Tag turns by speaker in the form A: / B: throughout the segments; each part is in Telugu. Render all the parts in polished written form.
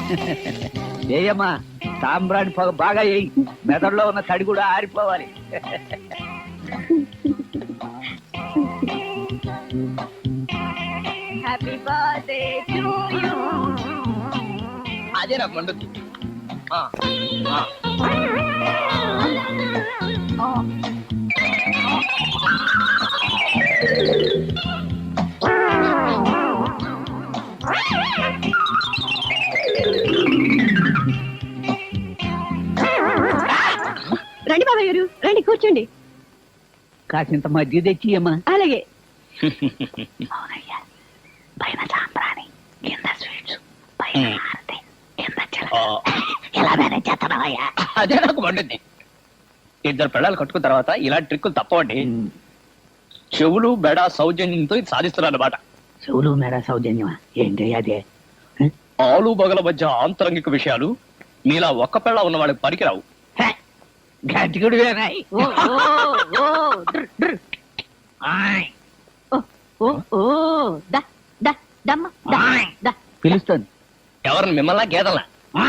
A: ఏయమ్మా సాంబ్రాణి పొగ బాగా వేయి, మెదడులో ఉన్న తడి కూడా ఆరిపోవాలి.
B: Happy birthday to you.
C: అదే నాకు మండుద్ది.
B: రండి బాబాయ్ గారు, రండి కూర్చోండి.
A: కాసింత మధ్య తెచ్చి అమ్మా.
B: అలాగే.
A: అవునయ్యా, పైన సాంబ్రాణి, కింద స్వీట్స్, పైన హారతి, కింద చిలక. ఎలా మేనేజ్ చేస్తున్నావయ్యా?
C: అదే నాకు మండుద్ది. ఇద్దరు పిల్లలు కట్టుకున్న తర్వాత ఇలాంటి ట్రిక్కులు తప్పవండి. చెవులు బెడ సౌజన్యంతో ఇది సాధిస్తున్నారు అన్నమాట.
A: చెవులు మేడ సౌజన్యమా? ఏంటి అదే?
C: ఆలు బగల మధ్య ఆంతరంగిక విషయాలు మీలా ఒక్క పిల్ల ఉన్న వాళ్ళకి పనికిరావు.
A: గట్టిగుడు పిలుస్తుంది.
C: ఎవరిని మిమ్మల్ని గేదల్లా?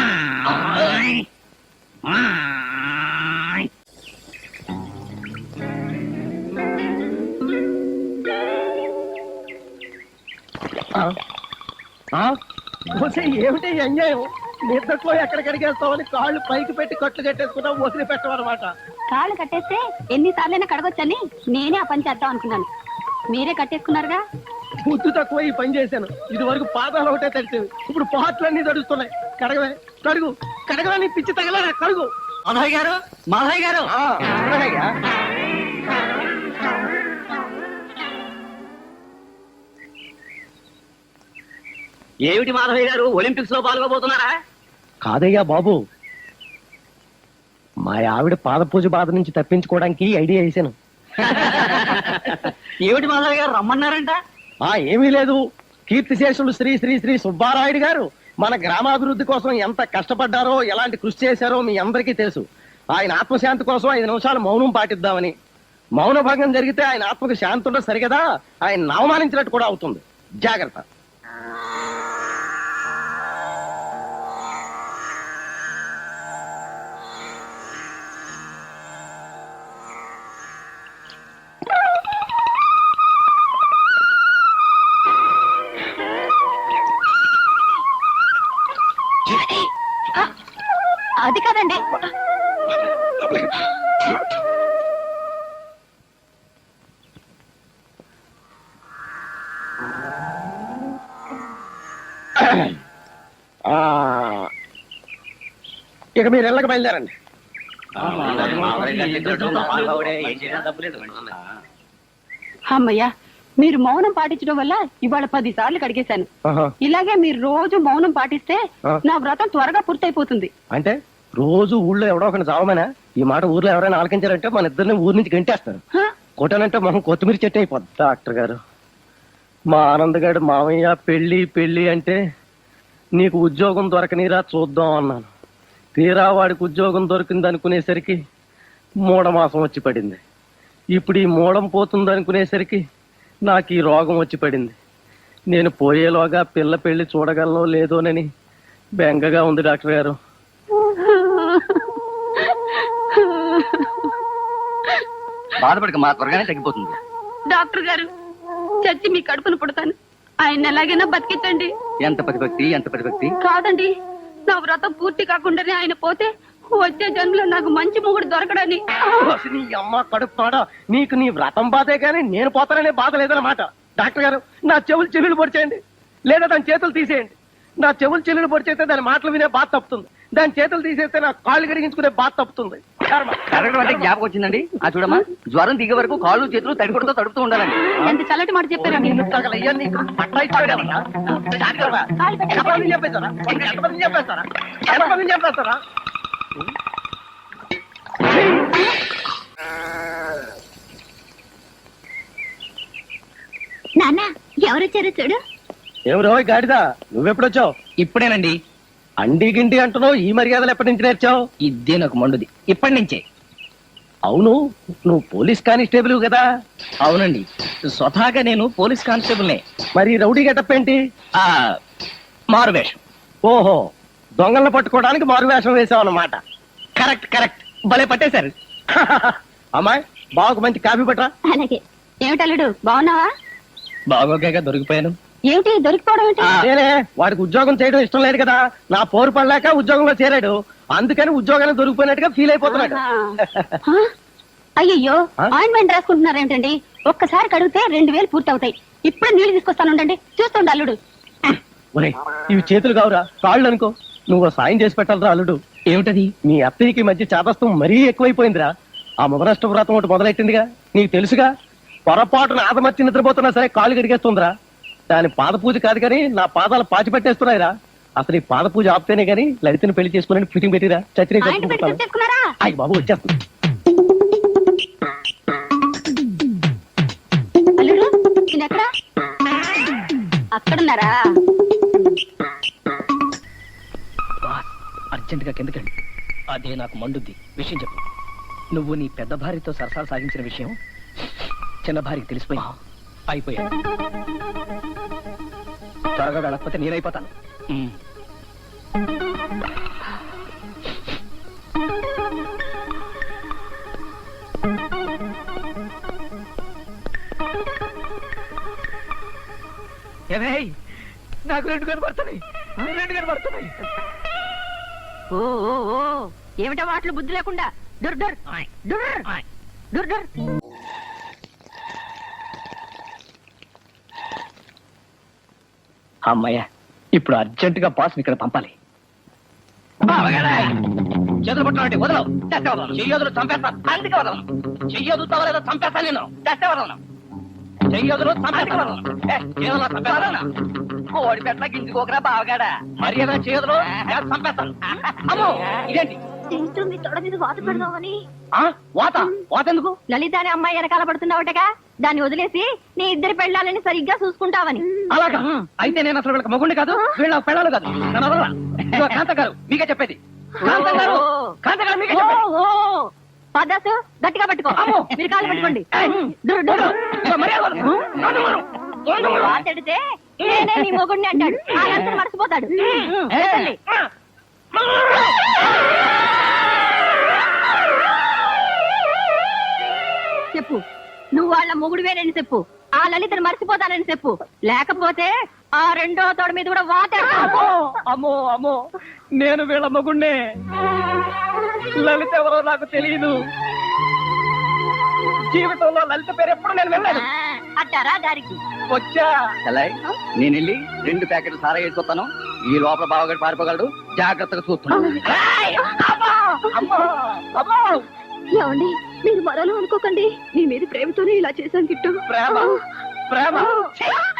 D: ఏమిటి అన్యాయం? నిద్రలో ఎక్కడికెడిగేస్తామని కాళ్ళు పైకి పెట్టి కట్లు కట్టేసుకున్నా వదిలి పెట్టమన్నమాట.
B: కాళ్ళు కట్టేస్తే ఎన్నిసార్లైనా కడగొచ్చని నేనే ఆ పని చేద్దాం అనుకున్నాను. మీరే కట్టేసుకున్నారుగా.
D: బుద్ధి తక్కువ ఈ పని చేశాను. ఇది వరకు పాదాలు ఒకటే తడిచేవి, ఇప్పుడు పాటలన్నీ తడుస్తున్నాయి. కడగవే, కడుగు, కడగలని పిచ్చి తగల కడుగు.
A: మాధవయ్య గారు, మాధవయ్య గారు. ఏమిటి మాధవయ్య గారు, ఒలింపిక్స్ లో పాల్గొబోతున్నారా?
D: కాదయ్యా బాబు, మా ఆవిడ పాద పూజ బాధ నుంచి తప్పించుకోవడానికి ఐడియా వేసాను.
A: ఏమిటి మాధవయ్య గారు, రమ్మన్నారంట?
D: ఏమీ లేదు. కీర్తిశేషులు శ్రీ శ్రీ శ్రీ సుబ్బారాయుడు గారు మన గ్రామాభివృద్ధి కోసం ఎంత కష్టపడ్డారో, ఎలాంటి కృషి చేశారో మీ అందరికీ తెలుసు. ఆయన ఆత్మశాంతి కోసం 5 నిమిషాలు మౌనం పాటిద్దామని. మౌన భంగం జరిగితే ఆయన ఆత్మకు శాంతి ఉండదు సరిగదా, ఆయన అవమానించినట్టు కూడా అవుతుంది. జాగ్రత్త.
B: అది కాదండి.
D: ఇక మీరు ఇళ్ళకి బయలుదేరండి.
B: అమ్మయ్యా, మీరు మౌనం పాటించడం వల్ల ఇవాళ 10 సార్లు కడిగేశాను. ఇలాగే మీరు రోజు మౌనం పాటిస్తే నా వ్రతం త్వరగా పూర్తయిపోతుంది.
D: అంటే రోజు ఊళ్ళో ఎవడో ఒకటి చావమనా? ఈ మాట ఊర్లో ఎవరైనా ఆలకించారంటే మన ఇద్దరిని ఊరి నుంచి గంటేస్తారు. కొట్టానంటే మొహం కొత్తిమీర చెట్టు అయిపోద్ది. డాక్టర్ గారు, మా ఆనందగాడు మామయ్య పెళ్లి పెళ్లి అంటే నీకు ఉద్యోగం దొరకనిరా చూద్దాం అన్నాను. తీరా వాడికి ఉద్యోగం దొరికింది అనుకునేసరికి మూఢమాసం వచ్చి పడింది. ఇప్పుడు ఈ మూఢం పోతుంది అనుకునేసరికి నాకు ఈ రోగం వచ్చి పడింది. నేను పోయేలోగా పిల్ల పెళ్లి చూడగలనో లేదోనని బెంగగా ఉంది డాక్టర్ గారు.
C: బాధపడక, మా త్వరగానే తగ్గిపోతుంది.
B: డాక్టర్ గారు, చచ్చి మీ కడుపును పుడతాను. ఆయన ఎలాగైనా బతికించండి.
C: ఎంత ప్రతిభక్తి, ఎంత ప్రతిభక్తి.
B: కాదండి, నా వ్రతం పూర్తి కాకుండానే ఆయన పోతే వచ్చే జన్మలో నాకు మంచి మొగుడు దొరకడని.
D: నీ అమ్మ కడుపుతాడా? నీకు నీ వ్రతం బాధే కానీ నేను పోతాననే బాధ లేదన్నమాట. డాక్టర్ గారు, నా చెవులు చెల్లులు పొడిచేయండి, లేదా దాని చేతులు తీసేయండి. నా చెవులు చెల్లులు పొడిచేస్తే దాని మాటలు వినే బాధ తప్పుతుంది, దాని చేతులు తీసేస్తే నా కాళ్ళు కడిగించుకునే బాధ తప్పుతుంది.
C: కరగడం అంటే జ్ఞాపకం వచ్చిందండి. చూడమ్మా, జ్వరం దిగే వరకు కాళ్ళు చేతులు తడికొడుతూ తడుపుతూ ఉండాలండి.
B: ఎంత చల్లటి మాట చెప్పారండి.
D: చెప్పేస్తారా?
B: నాన్న, ఎవరొచ్చారో చూడు.
D: ఎవరో గాడిదా, నువ్వెప్పుడొచ్చావు?
C: ఇప్పుడేనండి.
D: అండి గిండి అంటున్నావు, ఈ మర్యాదలు ఎప్పటి నుంచి నేర్చావు?
C: ఇదే నాకు మండుది, ఇప్పటి నుంచే.
D: అవును, నువ్వు పోలీస్ కానిస్టేబుల్ కదా?
C: అవునండి, స్వతహాగా నేను పోలీస్ కానిస్టేబుల్నే.
D: మరి రౌడీ గెటప్ ఏంటి?
C: మారు వేషం.
D: ఓహో, దొంగలను పట్టుకోవడానికి మారువేషం వేసాం అన్నమాట.
C: కరెక్ట్ కరెక్ట్, భలే పట్టేశారు.
D: అమ్మాయి బావకు మంచి కాఫీ పట్టరా.
B: అలాగే. ఏమిటల్లుడు బాగున్నావా?
C: బాగోగా దొరికిపోయాను.
B: ఏమిటి దొరికిపోవడం ఏంటి?
D: నేనే వాడికి ఉద్యోగం చేయడం ఇష్టం లేదు కదా, నా పోరు పడలేక ఉద్యోగంలో చేరాడు, అందుకని ఉద్యోగాన్ని దొరికిపోయినట్టుగా ఫీల్ అయిపోతున్నాడు.
B: ఆహా. అయ్యయ్యో, ఆయింట్మెంట్ రాసుకుంటున్నారు ఏమిటండి? ఒక్కసారి కడిగితే 2000 పూర్తి అవుతాయి. ఇప్పుడే నీళ్లు తీసుకొస్తాను ఉండండి, చూస్తుండ అల్లుడు.
D: ఒరే ఇవి చేతులు కావురా, కాళ్ళు అనుకో. నువ్వు ఓ సాయం చేసి పెట్టాలరా అల్లుడు.
C: ఏమిటది?
D: మీ అత్తయ్యకి మధ్య చాదస్తం మరీ ఎక్కువైపోయిందిరా. ఆ మొదనష్ట వ్రతం ఒకటి మొదలెట్టిందిగా, నీకు తెలుసుగా. పొరపాటున ఆదమర్చి నిద్రపోతున్నా సరే కాళ్ళు గడిగేస్తుందిరా. దాని పాద పూజ కాదు కానీ నా పాదాలు పాచి పెట్టేస్తున్నాయిరా. అసలు ఈ పాద పూజ ఆపితేనే గానీ లలితని పెళ్లి చేసుకుని ఫిటింగ్ పెట్టిరా.
B: ఆయింట్మెంట్ తెచ్చేసుకున్నారా?
D: అయ్యి బాబు వచ్చేస్తుంది.
B: అల్లుడు నేనెక్కడ? అక్కడున్నారా?
C: అర్జెంట్ గా కిందకండి. అదే నాకు మండుద్ది. విషయం చెప్పు. నువ్వు నీ పెద్ద భార్యతో సరసాలు సాగించిన విషయం చిన్న భార్యకి తెలిసిపోయి అయిపోయాడు. త్వరగా వెళ్ళకపోతే నేనైపోతాను. నాకు 2 కనబడుతున్నాయి.
B: ఓ ఓ ఓ, ఏమిటా వాటిలో బుద్ధి లేకుండా? డుర్ డుర్ డుర్ డుర్ డుర్.
C: అమ్మయ్య, ఇప్పుడు అర్జెంట్ గా బాస్ ఇక్కడ పంపాలి. చేతులు పట్టుకోండి, వదలవు. చెయ్యదులు చంపేస్తాను, అందుకే వదలను. చెయ్యదు తవలేదో చంపేస్తాను నేను. చస్తే వదలను. చెయ్యదులు చంపేస్తాను.
A: కోడి పెట్ట గింజుకోకరా బావగాడా.
C: మర్యాద చేయదులు చంపేస్తాను. అమ్మో ఇదేంటి?
B: మీ తొడ మీద వాత పెడదామని.
C: వాత వాత ఎందుకు?
B: లలిత అనే అమ్మాయి వెనకాల పడుతున్నావుటగా, దాన్ని వదిలేసి నీ ఇద్దరి పెళ్ళాలని సరిగ్గా చూసుకుంటావని.
C: అలాగా? అయితే నేను అసలు వీళ్ళకి మగుండి కాదు, వీళ్ళ పెళ్ళాలు కాదు. నన్ను వదలరా. ఇదిగో కాంత గారు మీకే చెప్పేది. కాంత గారు, కాంత గారు మీకే చెప్పేది.
B: పదాసు గట్టిగా పట్టుకో. మీరు కాళ్ళు పట్టుకోండి. మాట్లాడితే నేనే నీ మొగుడిని అంటాడు. ఆయన మర్చిపోతాడు. చెప్పు, నువ్వు వాళ్ళ మొగుడువేనని చెప్పు. ఆ లలితను మర్చిపోతానని చెప్పు. లేకపోతే ఆ రెండో తోడ మీద కూడా వాతాడు.
C: అమ్మో అమ్మో, నేను వీళ్ళ మగుణ్ణే. లలిత ఎవరో నాకు తెలియదు. జీవితంలో లలిత పేరు ఎప్పుడు నేను వెళ్ళాను.
B: అట్టారా దారికి
C: వచ్చా.
A: నేను వెళ్ళి 2 ప్యాకెట్లు సారా వేసుకొస్తాను. ఈ లోపల బావగాడు పారిపోగలడు, జాగ్రత్తగా చూస్తున్నాను.
B: ఏమండి, మీరు మరలో అనుకోకండి. నీ మీద ప్రేమతోనే ఇలా చేశాను కిట్టు.
C: ప్రేమ ప్రేమ